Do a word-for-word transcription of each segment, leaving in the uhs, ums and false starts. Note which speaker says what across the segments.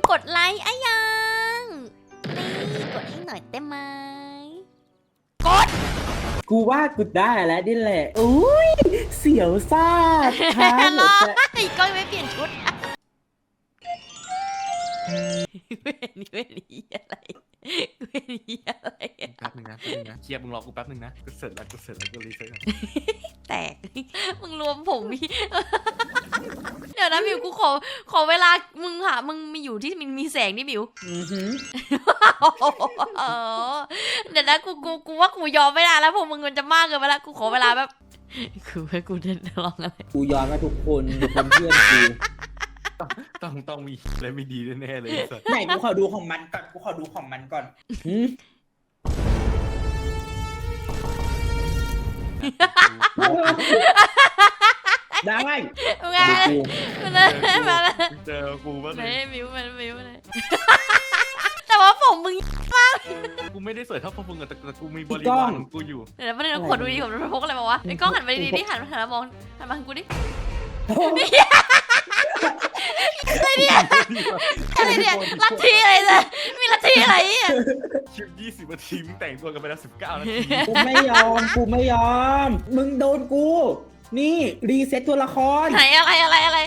Speaker 1: กดไลค์อะยังนี่กดให้หน่อยได้ไหมกด
Speaker 2: กูว่ากูได้แล้วนี่แหละอุ้ยเสียวซ่าท้าหมดเลย
Speaker 1: ก็ไม่เปลี่ยนชุดเว้นเว้นอะไรเว้นอะไร
Speaker 3: แป๊บนึงนะแป๊บนึงนะเคลียร์มึงรอกูแป๊บนึงนะกูเสร็จแล้วกูเสร็จแล้วกูรีเซ็ตก่อน
Speaker 1: แตกมึงรวมผมมีเดี๋ยวนะมิวกูขอขอเวลามึงหามึงมีอยู่ที่มันมีแสงนี่มิวเดี๋ยวนะกูกูกูว่ากูยอมไม่ได้แล้วพวกมึงมันจะมากเกินไปแล้วกูขอเวลาแบบคือให้กูจะลองอะไร
Speaker 2: กูยอมมาทุกคนเป็นเพื่อนกู
Speaker 3: ต้องต้องมีอะไรไม่ดีแน่ๆเลย
Speaker 2: ไหนกูขอดูของมันก่อนกูขอดูของมันก่อนได้ไหม
Speaker 1: มาเลยมาเลย
Speaker 3: เจอกูบ้างเลย
Speaker 1: มิวมันมิวเลยแต่ว่าผมมึงมาก
Speaker 3: กูไม่ได้สวยเท่าพวกมึงแต่กูมีบริวารของกูอยู่
Speaker 1: เดี๋ยวไม่ได้ขวดดูดีผมมันพกอะไรมาวะไอ้กล้องหันไปดีๆหันหันมามองหันมาทางกูดิอะไรเนี่ยอะไรเนี่ยลัทธิอะไรเนี่ยมีลัทธิอะไรอ่ะ
Speaker 3: ชิปยี่สิบนาทีมึงแต่งตัวกันไปแล้วสิบเก้านาที
Speaker 2: กูไม่ยอมกูไม่ยอมมึงโดนกูนี่รีเซ็ตตัวละคร
Speaker 1: ไหนอะไรอะไรอะไร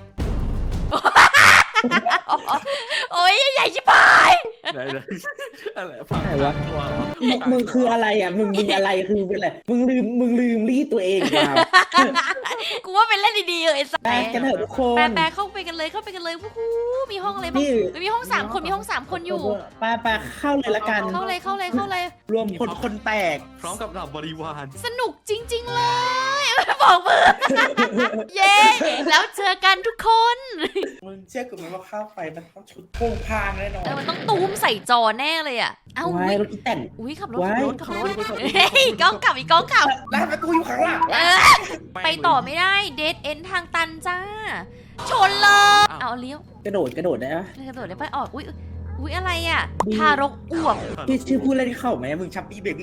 Speaker 1: โอ้ยใหญ่ชิบหาย
Speaker 3: ไหนไหนอะไรฟัง
Speaker 2: วะมึงคืออะไรอ่ะมึงมึงอะไรคือเป็นอะไรมึงลืมมึงลืมรีดตัวเองมา
Speaker 1: กูว่าเป็นเล่นดีๆเลย
Speaker 2: แปลกันเถอะทุกคน
Speaker 1: แปลเข้าไปกันเลยเข้าไปกันเลยวู้ฮู้มีห้องอะไรบ้างมีห้องสามคนมีห้องสามคนอยู่
Speaker 2: แปลแปลเข้าเลยละกัน
Speaker 1: เข้าเลยเข้าเลยเข้าเลย
Speaker 2: รวมคนคนแตก
Speaker 3: พร้อมกับเหล่าบริวาร
Speaker 1: สนุกจริงๆเลยบอกมือเย้แล้วเจอกันทุกคน
Speaker 2: มึงเชื่อกูไหมว่าข้าวไฟมันต้องชุดโป่งพางแน่นอน
Speaker 1: เออมันต้องตูมใส่จอแน่เลยอ่ะเอ้า
Speaker 2: อุ้ยรถแต่ง
Speaker 1: อุ้ยขับรถขับรถขับรถเฮ้ยก้องขับอีกก้องขับ
Speaker 2: แล้วมันกูอยู่ข้างหลัง
Speaker 1: ไปต่อไม่ได้เดทเอ็นทางตันจ้าชนเลยเอาเลี้ยว
Speaker 2: กระโดดกระโดดได้ปะ
Speaker 1: กระโดดได้ปะออกอุ้ยอุ้ยอะไรอ่ะทารกอ้วก
Speaker 2: พี่ชื่อพูดอะไรที่เข้าไหมมึงชับปี้เบบี้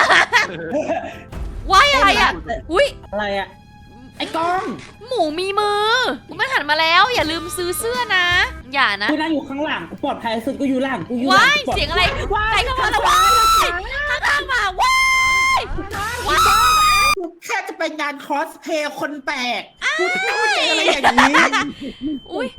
Speaker 1: ว้ายอะไรอ่ะอุ้ย
Speaker 2: อะไรอ่ะไอ้กล้อง
Speaker 1: หมูมีมือกูไม่หันมาแล้วอย่าลืมซื้อเสื้อนะอย่านะ
Speaker 2: กูนั่งอยู่ข้างหลังกูปลอดภัยสุดกูอยู่หลังกูอยู่
Speaker 1: ว้ายเสียงอะไรใครเข้ามาแล้วว้ายข้างล่างมาว้ายว้าย
Speaker 2: แค่จะไปงานคอสเพย์คนแปลกกูพูดอะไรอย่างนี้
Speaker 1: อุ้ย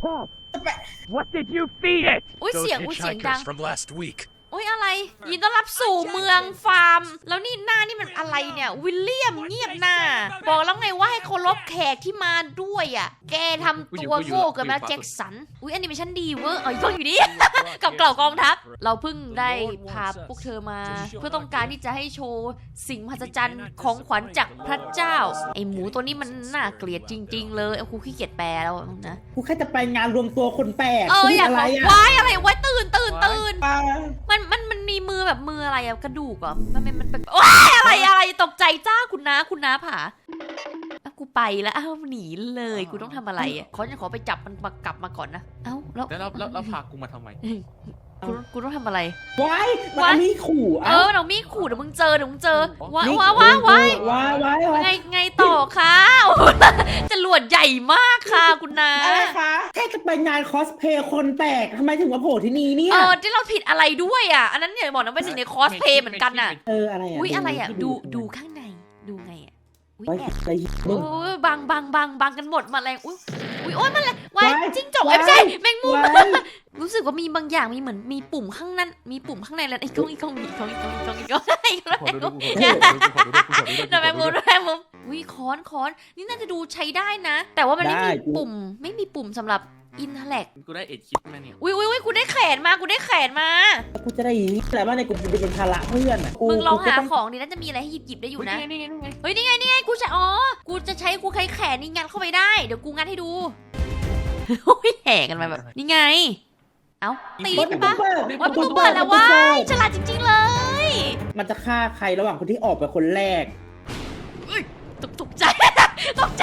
Speaker 4: What did you feed it
Speaker 1: อุ้ยเสียงอุ้ยเสียงดัง
Speaker 4: from last week
Speaker 1: อุ้ยอะไรยินต้อนรับสู่เมืองฟาร์มแล้วนี่หน้านี่มันอะไรเนี่ยวิลเลียมเงียบหน้าบอกแล้วไงว่าให้เคารพแขกที่มาด้วยอ่ะแกทำตัวโง่เกินมาแจ็คสันอุ้ยแอนิเมชั่นดีเวอร์เอ้ยกล้องอยู่นี่กับเกล่ากองทัพเราเพิ่งได้พาพวกเธอมาเพื่อต้องการที่จะให้โชว์สิ่งมหัศจรรย์ของขวัญจากพระเจ้าไอหมูตัวนี้มันน่าเกลียดจริงๆเลยกูขี้เกียจแปลแล้วนะ
Speaker 2: กูแค่จะไปงานรวมตัวคนแปลก
Speaker 1: เอออยากบอกว้ายอะไรว้ายตื่นตื่นตื่นมันมันมันมีมือแบบมืออะไรอะกระดูกอ่ะมันเป็นมันเป็นว้ายอะไรอะไรตกใจจ้าคุณน้าคุณน้าผากูไปแล้วอ้าวหนีเลยกูต้องทำอะไรอ่ะขอจะขอไปจับมันมากลับมาก่อนนะเอ้าแล้ว
Speaker 3: แล้วแล้วพากูมาทำไม
Speaker 1: กูกูต้องทำอะไร
Speaker 2: ว้ายมันมีขู่
Speaker 1: เออเรามีขู่เดี๋ยวมึงเจอเดี๋ยวมึงเจอว้ายว้ายว้ายว้าย
Speaker 2: ว้ายว้าย
Speaker 1: ไงไงต่อคะจะหลวดใหญ่มากค่ะคุณน้า
Speaker 2: อะไรคะแค่จะไปงานคอสเพย์คนแปลกทำไมถึงมาโผล่ที่นี่เนี่ย
Speaker 1: เออที่เราผิดอะไรด้วยอ่ะอันนั้นอย่าบอกนะเป็นสิ่งในคอสเพย์เหมือนกันอ่ะ
Speaker 2: เอออะไรอ่ะ
Speaker 1: อุ้ยอะไรอ่ะดูดูข้างในดูไงอ่ะอุ้ยแอบ
Speaker 2: ไป
Speaker 1: โอ้ยบังบังบังบังกันหมดมาแรงอุ้ยอุ้ยโอ้ยมันอะไรวายจิ้งจกไม่ใช่แมงมุมรู้สึกว่ามีบางอย่างมีเหมือนมีปุ่มข้างนั้นมีปุ่มข้างในแล้วไอ้กล้องไอ้กล้องอีกกล้องอีกกล้องอีกกล้องอีกกล้องไอ้กล้องไอ้กล้องแมงมุมแมงมุมอุ้ยค้อนค้อนนี่น่าจะดูใช้ได้นะ แต่ว่ามันไม่มีปุ่มไม่มีปุ่มสำหรับอินเทอร์เน็ต
Speaker 3: กูได้เอ็ดคิดมาเนี่ย
Speaker 1: อุ้ยอุ้ยอุ้ยกูได้แขนมากูได้แขนมา
Speaker 2: กูจะได้อะไรบ้างในกูจะเป็นภาระเพื่อนอ่ะ
Speaker 1: มึงลองหาของดิน่าจะมีอะไรให้หยิบหยิบได้อยู่นะเฮ้ยนี่ไงนี่ไงกูจะอ๋อกูจะใช้กูใช้แขนนี่งัดเข้าไปได้เดี๋ยวกูงัดให้ดูโอ้ยแห่กันมาแบบนี่ไงเอ้าตีปะว่าประตูเปิดแล้วว้ายฉลาดจริงๆเลย
Speaker 2: มันจะฆ่าใครระหว่างคนที่ออกไปคนแรก
Speaker 1: ตกตกใจตกใจ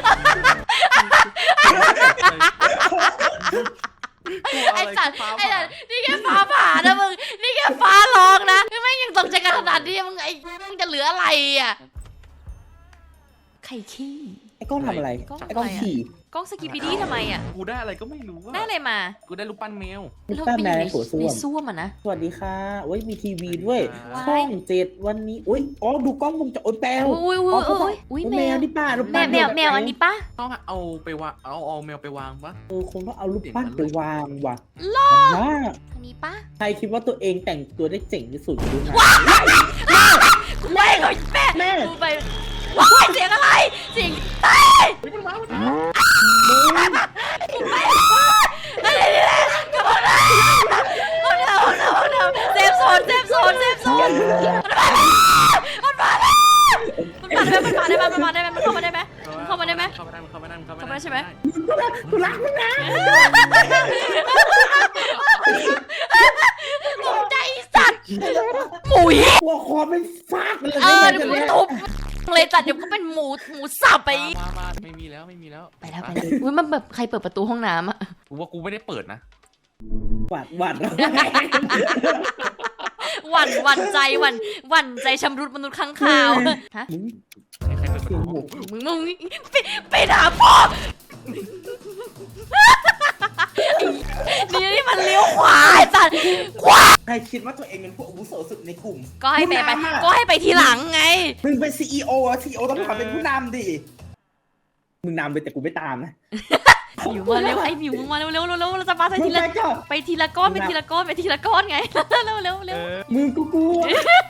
Speaker 1: ไอ้สัตว์ไอ้สัตว์นี่แค่ฟ้าผ่านะมึงนี่แค่ฟ้าร้องนะไม่ยังตกใจกันขนาดนี้มึงไอ้มึงจะเหลืออะไรอ่ะไข่ขี้
Speaker 2: ไอ้ก้อนทำอะไรไอ้ก้อนขี่
Speaker 1: กล้องสกิปปี้ดี้ทำไมอ่ะ
Speaker 3: กูได้อะไรก็ไม่รู้อะ
Speaker 1: ได้อะไรมา
Speaker 3: กูได้รูปปั้นแมว
Speaker 2: ลูกป้าแมวในโถส้
Speaker 1: ใน
Speaker 2: วม
Speaker 1: ส้วมอ่ะนะ
Speaker 2: สวัสดีค่ะโอ้ยมีทีวีด้วย
Speaker 1: ว้าย
Speaker 2: ช่องเจ็ดวันนี้อุ้ยอ๋อดูกล้องวงจรโอ้ยแมว
Speaker 1: อุ้ยอุ้ยอุ้ยอุ้ยอุ้ยแม
Speaker 2: แม
Speaker 1: ว
Speaker 2: วนี่ป้ารูป
Speaker 1: แม
Speaker 2: ปั้
Speaker 1: วน แมวแมวอันนี้ปะ
Speaker 3: ต้องเอาไปวางเอาเอาแมวไปวางปะ
Speaker 2: เออคงต้องเอารูปปั้นไปวางว่ะ
Speaker 1: ล่อ
Speaker 2: ว่า
Speaker 1: อันนี้ปะ
Speaker 2: ใครคิดว่าตัวเองแต่งตัวได้เจ๋งที่สุดดูนะ
Speaker 1: กูไปก่อนแม่
Speaker 2: แม่
Speaker 1: กูไปว้ายเสียงอะไรเสียงเต้ย
Speaker 3: มันมามันมา
Speaker 1: อะไรเนี่ยกระโดดเลยโอ้โหโอ้โหโอ้โหเซฟโซนเซฟโซนเซฟโซนมันมาแล้วมันมาได้ไหมมันมาได้ไหมมันมาได้ไหมมันเข้ามาได้ไหมมันเข้ามาได้ไหม
Speaker 3: เข้ามาได้เข้ามาได้เข้ามา
Speaker 1: เข้ามา
Speaker 3: ได้
Speaker 1: ได้ใช่ไหม
Speaker 2: กูรักมึงนะ
Speaker 1: ตกใจสัตว์หมุย
Speaker 2: หัวคอเป็นฟาดมันเลย
Speaker 1: เออ
Speaker 2: ไม่
Speaker 1: เดี๋ยว
Speaker 2: ได้
Speaker 1: กูทุบเลยจัดเดี๋ยวก็เป็นหมูหมูสับไป
Speaker 3: มามาไม่มีแล้วไม่มีแล้ว
Speaker 1: ไปแล้วไปแล้วอุ้ยมันแบบใครเปิดประตูห้องน้ำอะ
Speaker 3: กูว่ากูไม่ได้เปิดนะ
Speaker 2: หวัดหวัด
Speaker 1: หวั่นหวั่นใจหวั่นหวั่นใจชำรุดมนุษย์ข้างคาวฮะ
Speaker 3: ใครใครเปิดประตู
Speaker 1: มึงมึงไปไปด่าพ่อนี่นี่มันเลี้ยวขวาไอ้สัตว์ขวา
Speaker 2: ใครคิดว่าตัวเองเป็นผู้อาวุโสสุดในกลุ่ม
Speaker 1: ก็ให้ไปไป
Speaker 2: ผู้นำอะ
Speaker 1: ก็ให้ไปทีหลังไง
Speaker 2: มึงเป็นซีอีโอซีอีโอต้องขอเป็นผู้นำดิมึงนำไปแต่กูไม่ตามนะ
Speaker 1: หมิวมาเร็วไอ้หมิวมึงมาเร็วเร็วเร็วเร็วเราจะมาไป
Speaker 2: มึ
Speaker 1: ที
Speaker 2: ง
Speaker 1: ละ
Speaker 2: ไปก่อน
Speaker 1: ไปทีละก้อนไปทีละก้อนไปทีละก้อนไงเร็วเร็วเร็ว
Speaker 2: มึงกูกลัว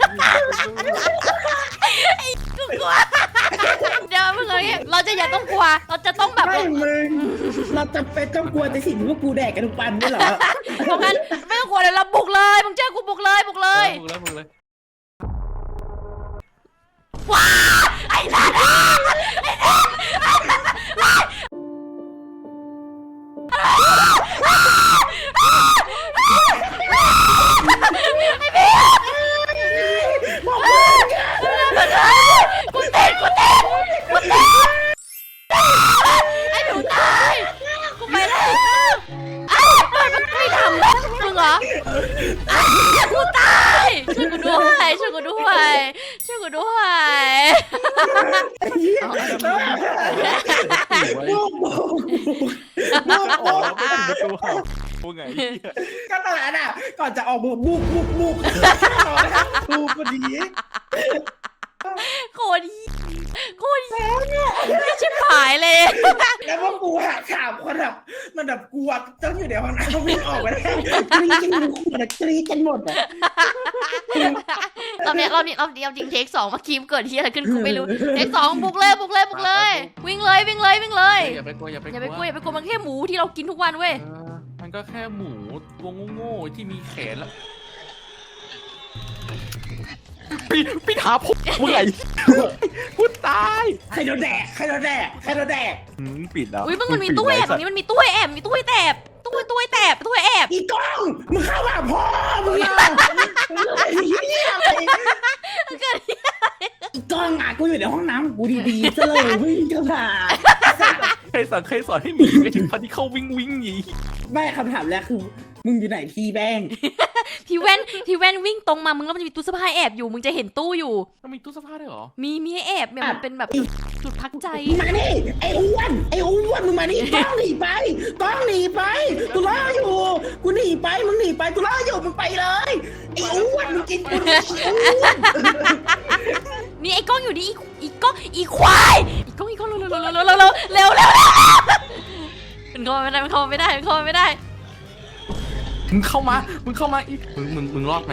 Speaker 1: กูกลัวเดี๋ยวมึงเลยเราจะอย่าต้องกลัวเราจะต้องแบบ
Speaker 2: ไม่มึงเราจะเป็นต้องกลัวแต่สิ่งที่พวกกูแดกกันทุกวันนี่เหรอ
Speaker 1: เพราะงั้นไม่ต้องกลัวเดี๋ยวเราบุกเลยมึงเจอกูบุกเลยบุกเลย
Speaker 3: มึงแล้วมึงเลย
Speaker 1: ว้าไอ้สัตว์กูเต้นกูเต้นกูเต้นไอ้หนูตายกูไปแล้วไอ้เปิดมันไม่ทำมึงเหรอกูตายช่วยกูด้วยช่วยกูด้วยช่วยกูด้วย
Speaker 2: ลูกบอกลูก
Speaker 3: อ๋อไม่ถึงประตูเขากูไง
Speaker 2: ก็ตอนนั้นอ่ะก่อนจะออกบุกบุกบุกบุกบุกพอดี
Speaker 1: โคตรดีโคตรดีไม่ชิบหายเลย
Speaker 2: แล้วพวกกูหาข่าวคนแบบมันแบบกลัวต้องอยู่ในห้องน้ำเขาวิ่งออกมาได้กรี๊ดกันอยู่ขวดกรี๊ดกันหมดอ่ะ
Speaker 1: รอบนี้รอบนี้รอบนี้เอาจริงเทคสองเมื่อกี้เกิดที่อะไรขึ้นกูไม่รู้เทคสองบุกเลยบุกเลยบุกเลย วิ่งเลยวิ่งเลยวิ่งเลย
Speaker 3: อย่าไปกลัวอย่าไป
Speaker 1: อย่าไปกลัวอย่าไปกลัวมันแค่หมูที่เรากินทุกวันเว้ย
Speaker 3: มันก็แค่หมูตัวโง่ๆที่มีแขนแล้วพี่พี่ถามผมมึงไงกูตาย
Speaker 2: ใครโดนแดกใครโดนแดกใครโดนแดก
Speaker 3: อืมปิดแล้ว
Speaker 1: อุ้ยมึงมันมีตู้แอบตรงนี้มันมีตู้แอบมีตู้แอบตู้ตู้แอบตู้แอบ
Speaker 2: อีกล้องมึงเข้ามาพ่อมึงอ่ะอีกล้องอ่ะกูอยู่ในห้องน้ำกูดีๆซะเลยวิ่งเข้ามา
Speaker 3: ใครสั่งใครสอนให้หนีไปถึงพันที่เข้าวิ่งวิ่งหนี
Speaker 2: แม่คำถามแรกคือมึงอยู่ไหนพี่แบง
Speaker 1: พี่แว่นพี่แว่นวิ่งตรงมามึงแล้วมันจะมีตู้เสื้อผ้าแอบอยู่มึงจะเห็นตู้อยู่
Speaker 3: มันมีตู้เสื้อผ้าด้วยเหรอ
Speaker 1: มีมีให้แอบเนี่ยมันเป็นแบบจุดพักใจ
Speaker 2: มานี่ไอ้อ้วนไอ้อ้วนมึงมานี่ต้องหนีไปต้องหนีไปกูรออยู่กูหนีไปมึงหนีไปกูรออยู่มึงไปเลยไอ้อ้วนมึงกินกูอ้วน
Speaker 1: นี่ไอ้กล้องอยู่นี่อีกกล้องอีควายอีกกล้องอีกกล้องเร็วเร็วเร็วเร็วเร็วเร็วเร็วเร็วมันเข้าไม่ได้มันเข้าไม่ได้มันเข้าไม่ได้
Speaker 3: มึงเข้ามามึงเข้ามาอีกมึงมึงมึงรอดไหม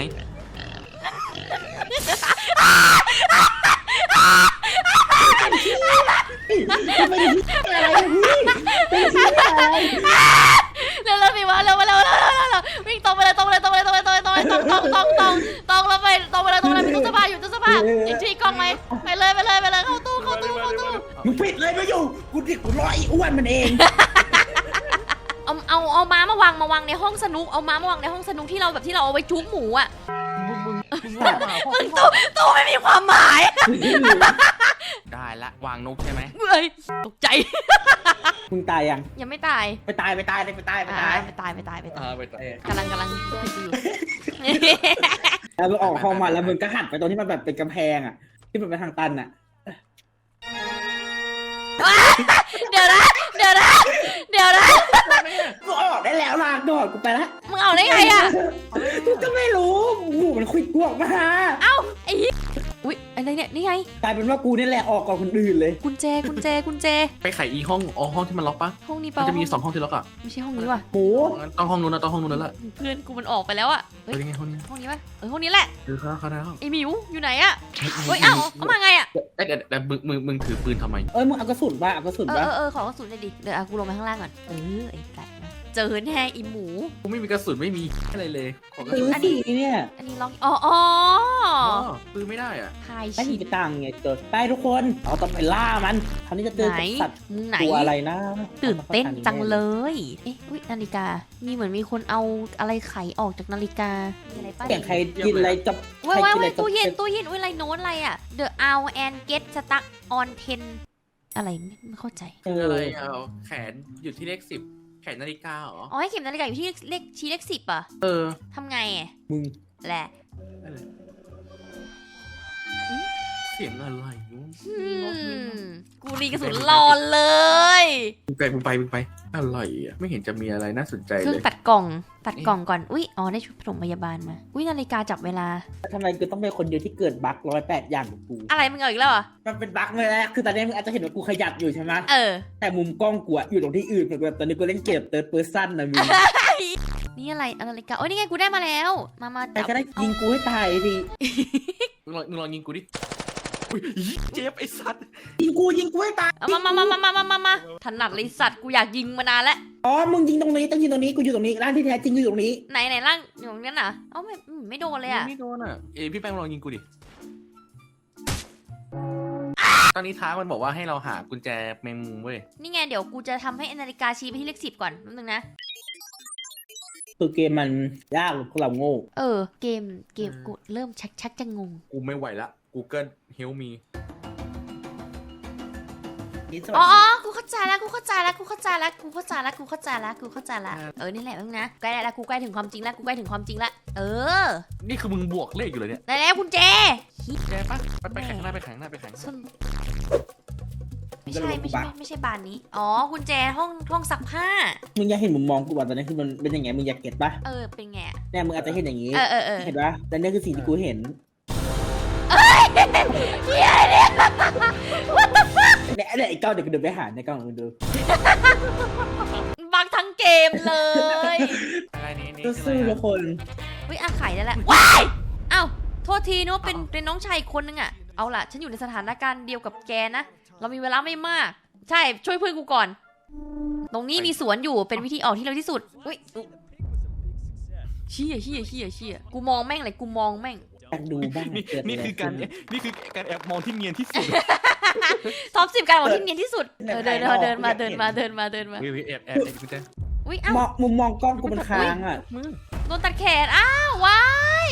Speaker 2: ไม่ได้พี่อะไรพี่เป็นพี่อะไร
Speaker 1: เร็วเร็วสิวะเร็วเร็วเร็วเร็วเร็วเร็ววิ่งตรงไปเลยตรงไปเลยตรงไปเลยตรงไปเลยตรงไปตรงตรงตรงตรงตรงแล้วไปตรงไปเลยตรงไปเลยมีตู้เสื้อผ้าอยู่ตู้เสื้อผ้าอีกทีกล้องไหมไปเลยไปเลยไปเลยเข้าตู้เข้าตู้เข้าตู้
Speaker 2: มึงปิดเลยไม่อยู่กูดิกูรอไอ้อ้วนมันเอง
Speaker 1: เอาเอาเอาม้ามาวางมาวางในห้องสนุกเอาม้ามาวางในห้องสนุกที่เราแบบที่เราเอาไว้จุ๊บหมูอ่ะ
Speaker 3: มึงมึงมึงรอดมาพ่อ
Speaker 1: มึงตู้ตู้ไม่มีความหมาย
Speaker 3: ได้ละวางนกใช่ไหม
Speaker 1: เฮ้ยตกใจ
Speaker 2: มึงตายยัง
Speaker 1: ยังไม่ตาย
Speaker 2: ไปตายไปตายไปตายไป
Speaker 1: อ่า
Speaker 2: ตาย
Speaker 1: ไปตายไปตายไปตาย
Speaker 3: อ่าไปต่อก
Speaker 1: ำลังกำลังคุยอยู่
Speaker 2: แล้วมึงออกห้องมาแล้วมึงก็หันไปตรงที่มันแบบเป็นกำแพงอ่ะที่มันเป็นทางตันอ่ะ
Speaker 1: เดี๋ยวนะเดี๋ยวดี๋ยวนะเดี๋ยวนะ
Speaker 2: กูออกได้แล้วลากดอดกูไปละ
Speaker 1: มึงเอาได้ไงอะ
Speaker 2: กูก็ไม่รู้หมูมันคุยกวกมา
Speaker 1: เอ้าไอ้เหี้ยอุ๊ยอะไรเนี่ยนี่ไง
Speaker 2: กลายเป็นว่ากูนี่แหละออกก่อนคนอื่นเลย
Speaker 1: กุญแจกุญแจกุญแจ
Speaker 3: ไปไขอีห้องอ๋อห้องที่มันล็อกปะ
Speaker 1: ห้องนี้
Speaker 3: มั
Speaker 1: เปล่าน
Speaker 3: จะมีสองห้องที่ล็อกอ่ะ
Speaker 1: ไม่ใช่ห้องนี้ว่ะ
Speaker 2: หมู
Speaker 3: งั้นต้องห้องนู้นนะต้องห้องนู้นแล้วแหละ
Speaker 1: เพื่อนกูมันออกไปแล้วอะ
Speaker 3: เอ
Speaker 1: เฮ้ย
Speaker 3: อยังไงห้องนี้
Speaker 1: ห้องนี้ป่ะเออห้องนี้แหละ
Speaker 3: เออเข้าเข้าได้แล้ว
Speaker 1: ไอ้หมิวอยู่ไหนอะเฮ้ยเอ้าเอามาไงอะ
Speaker 3: เอ้ยเดี๋ยวเดี๋ยวมึงมึงมึงถือปืนทำไม
Speaker 2: เอ้ยมึงเอากระสุนป่ะเอากระสุน
Speaker 1: เออ
Speaker 2: ป่ะ
Speaker 1: เออเออขอกระสุนหน่อยดิเดี๋ยวเอากูลงไปข้างล่างก่อนเออไอ้ไก่นะเจอแน่อีหมู
Speaker 3: กูไม่มีกระสุนไม่มีอะไรเลยขอกระ
Speaker 2: ซื้
Speaker 3: สุ
Speaker 2: อน สีเนี่ย
Speaker 1: อันนี้ล็อกอ๋ออ๋อ
Speaker 3: อ๋อปืนไม่ได้อ่ะ
Speaker 1: ไฮ
Speaker 2: ไม่
Speaker 1: ชิ
Speaker 2: มีตังค์ไงเจอไปทุกคนเราต้องไปล่ามันคราวนี้จะเจอ
Speaker 1: ไหน
Speaker 2: กับสัตว์
Speaker 1: มึงไหน
Speaker 2: ตัวอะไรนะ
Speaker 1: ตื่นเต้นจังเลย เอ๊ะอุ๊ยนาฬิกา มีเหมือนมีคนเอาอะไรไขออกจากนาฬิกา มีอะไรป้า
Speaker 2: อย่างใครกินอะไรจับ
Speaker 1: ว้าย
Speaker 2: ใคร
Speaker 1: ว้าย
Speaker 2: กินอะไรจับ
Speaker 1: ว้ายตู้เย็นตู้เย็นอุ้ยอะไรโน้ตอะไรอ่ะ The hour and get stuck on ten อะไรไม่ไม่เข้าใจ
Speaker 2: เอ
Speaker 3: อะไร
Speaker 2: อ
Speaker 3: เอาแขนอยู่ที่เลขสิบแขนนาฬิกาเหรอ
Speaker 1: อ๋อให้เข็มนาฬิกาอยู่ที่เลขชี้เลขสิบอ่ะ
Speaker 3: เออ
Speaker 1: ทำไงอ่ะ
Speaker 2: มึง
Speaker 1: แหละ
Speaker 3: เสียงอะไรวะ
Speaker 1: อืมกูรีกระสุนรอเลย
Speaker 3: มึงไปมึงไปมึงไปอะไรอ่ะไม่เห็นจะมีอะไรน่าสนใจ
Speaker 1: เครื่อ
Speaker 3: เล
Speaker 1: ง
Speaker 3: ย
Speaker 1: ตัดกล่อง ตัดกล่องก่อน อุ้ยอ๋อได้ชุดปฐมพยาบาลมา อุ้ยนาฬิกาจับเวลา
Speaker 2: ทำไมกูต้องเป็นคนเดียวที่เกิดบั๊กร้อยแปดอย่างกับกู
Speaker 1: อะไรมึงเอาอีกแล้วเหรอ
Speaker 2: มันเป็นบั๊กเลยนะคือตอนนี้มึงอาจจะเห็นว่ากูขยับอยู่ใช่ไหม
Speaker 1: เออ
Speaker 2: แต่มุมกล้องกูอะอยู่ตรงที่อื่นเหมือนแบบตอนนี้กูเล่นเกมเติร์ดเพอร์ซันนะมึง
Speaker 1: นี่อะไรนาฬิกาโอ้ยนี่ไงกูได้มาแล้ว มามา
Speaker 2: ใคร
Speaker 1: จับ
Speaker 2: ก็ได้ยิงกูให้ตายดิ
Speaker 3: มึงลองมึงลองยิงกูดิอุ้ยเจ็บไอ้สัตว์
Speaker 2: ยิงกูยิงกูให้ตาย
Speaker 1: เอามามามามามามามามาถนัดเลยสัตว์กูอยากยิงมานานแล้ว
Speaker 2: อ๋อมึงยิงตรงนี้ต้องยิงตรงนี้กูอยู่ตรงนี้ร่างที่แท้จริงอยู่ตรงนี้
Speaker 1: ไหนไหนร่างอยู่ตรงนั้นน่ะเอ้าไม่อืมไม่โดนเลยอ่ะ
Speaker 3: ไม่โดนอ่ะเอยพี่แป้งลองยิงกูดิตอนนี้ท้ามันบอกว่าให้เราหากุญแจแมงมุมเว้ย
Speaker 1: นี่ไงเดี๋ยวกูจะทำให้นาฬิกาชี้ไปที่เลขสิบก่อนแป๊บนึงนะ
Speaker 2: คือเกมมันยากหรือพวกเราโง่
Speaker 1: เออ เกมเกมกูเริ่มชักชักจะงง
Speaker 3: กูไม่ไหวละ Google Help me
Speaker 2: นี่ส
Speaker 1: อ๋
Speaker 2: วั
Speaker 1: อ
Speaker 2: ส
Speaker 1: อ๋
Speaker 2: ดี
Speaker 1: อกูเข้าใจแล้วกูเข้าใจแล้วกูเข้าใจแล้วกูเข้าใจแล้วกูเข้าใจแล้วกูเข้าใจแล้วเออนี่แหละมึงนะใกล้แล้วกูใกล้ถึงความจริงแล้วกูใกล้ถึงความจริงแล้วเออ
Speaker 3: นี่คือมึงบวกเลขอยู่เลยเนี่ย
Speaker 1: ได้แล้วคุณเจ
Speaker 3: แกปะไปไปแข่งหน้าไปแข่งหน้าไปแข่ง
Speaker 1: ส้นไม่ใช่ไม่ใช่ไม่ใช่บานนี้อ๋อกุญแจห้องห้องซักผ้า
Speaker 2: มึงอยากเห็นมุมมองกูว่าตอนนี้คือมันเป็นยังไงมึงอยากเก็ตปะ
Speaker 1: เออเป็นไงอะ
Speaker 2: เนี่ยมึงอาจจะเห็นอย่างนี้
Speaker 1: เออเออเออ
Speaker 2: เห็นปะแต่เนี่ยคือสิ่งที่กูเห็น
Speaker 1: เฮียเนี่ย
Speaker 2: เนี่ยเนี่ยไอ้ก้าวเดี๋ยวกูเดินไปหาในกล้องมึงดู
Speaker 1: บังทั้งเกมเลย
Speaker 3: อะไรนี้นี่
Speaker 2: สู้ๆทุกคน
Speaker 1: วิอาไข่ได้แล้วว้ายเอ้าโทษทีนึกว่าเป็นเป็นน้องชายอีกคนนึงอะเอาล่ะฉันอยู่ในสถานการณ์เดียวกับแกนะเรามีเวลาไม่มาก ใช่ช่วยเพื่อนกูก่อน ตรงนี้มีสวนอยู่เป็นวิธีออกที่เร็วที่สุดอุ้ยเชี่ยเชี่ยเชี่ยเชี่ยกูมองแม่งเลยกูมองแม่ง
Speaker 2: อยากดูบ้าง
Speaker 3: นี่
Speaker 2: เกิดอะไร
Speaker 3: นี่คือการ
Speaker 2: ขึ้น
Speaker 3: นี่คือการแอบมองที่เนียนที่สุด
Speaker 1: ท็อปสิบการบอกที่เนียนที่สุดเออเดินเดินเดินมาเดินมาเดินมาเดินมา
Speaker 3: เฮ้ยแอบแอบแอบกุญแจ
Speaker 1: อุ้ยเอ้าม
Speaker 2: องมุมมองกล้องกูมันค้างอ่ะ
Speaker 3: มือ
Speaker 1: โดนตัดแขนอ้าววาย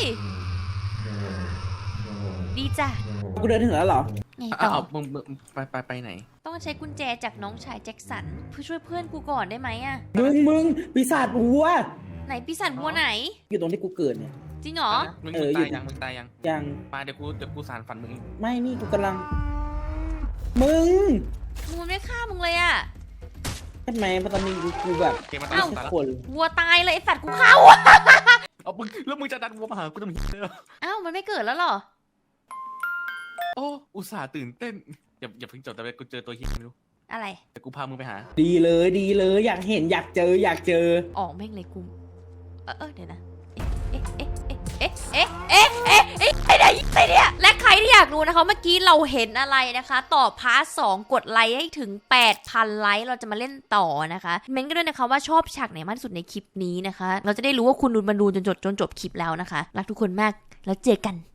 Speaker 1: ดีจ้ะ
Speaker 2: กูเดินถึงแล้วเหรอ
Speaker 1: ไง
Speaker 3: อ้า
Speaker 1: ต่อ
Speaker 3: วมึงมึงไปไปไปไหน
Speaker 1: ต้องใช้กุญแจจากน้องชายแจ็คสันเพื่อช่วยเพื่อนกูก่อนได้ไหมอะ
Speaker 2: มึงมึงปีศาจวัว
Speaker 1: ไหนปีศาจบัวไหน
Speaker 2: อยู่ตรงที่กูเกิดเนี่ย
Speaker 1: จริงเหรอ
Speaker 3: มึง
Speaker 2: เออ
Speaker 3: ตาย
Speaker 2: อยู่
Speaker 3: ยังมึงตายยัง
Speaker 2: ยัง
Speaker 3: มาเดี๋ยวกูเดี๋ยวกูสารฝันมึง
Speaker 2: ไม่นี่กูกำลัง มึง
Speaker 1: มึงมันไม่ฆ่ามึงเลยอะ
Speaker 2: ใช่ไหมเพราะตอนนี้กูกูแบบ
Speaker 3: เกมมัน
Speaker 1: เอ้า
Speaker 3: ตายแล้ว
Speaker 2: คน
Speaker 1: วัวตายเลยไอสัตว์กูเข้าอะ
Speaker 3: เอามึงแล้วมึงจะดันวัวมาหากูทำไมเนี่ย
Speaker 1: เอ้ามันไม่เกิดแล้วเหรอ
Speaker 3: โอ้อุตส่าห์ตื่นเต้นอย่าอย่าเพิ่งจบแต่กูเจอตัวเฮียไม่รู้
Speaker 1: อะไร
Speaker 3: แต่กูพามึงไปหา
Speaker 2: ดีเลยดีเลยอยากเห็นอยากเจออยากเจอ
Speaker 1: ออกแม่งเลยกูเออเออเดี๋ยวนะ เอ๊ะ เอ๊ะ เอ๊ะ เอ๊ะ เอ๊ะ เอ๊ะ เอ๊ะไอ้ไหนไอ้เนี่ยและใครที่อยากรู้นะคะเมื่อกี้เราเห็นอะไรนะคะต่อพาร์ทสองกดไลค์ให้ถึง แปดพัน ไลค์เราจะมาเล่นต่อนะคะ เม้นกันด้วยนะคะว่าชอบฉากไหนมากที่สุดในคลิปนี้นะคะ เราจะได้รู้ว่าคุณดูมันดูจนจบจนจบคลิปแล้วนะคะ รักทุกคนมากแล้วเจอกัน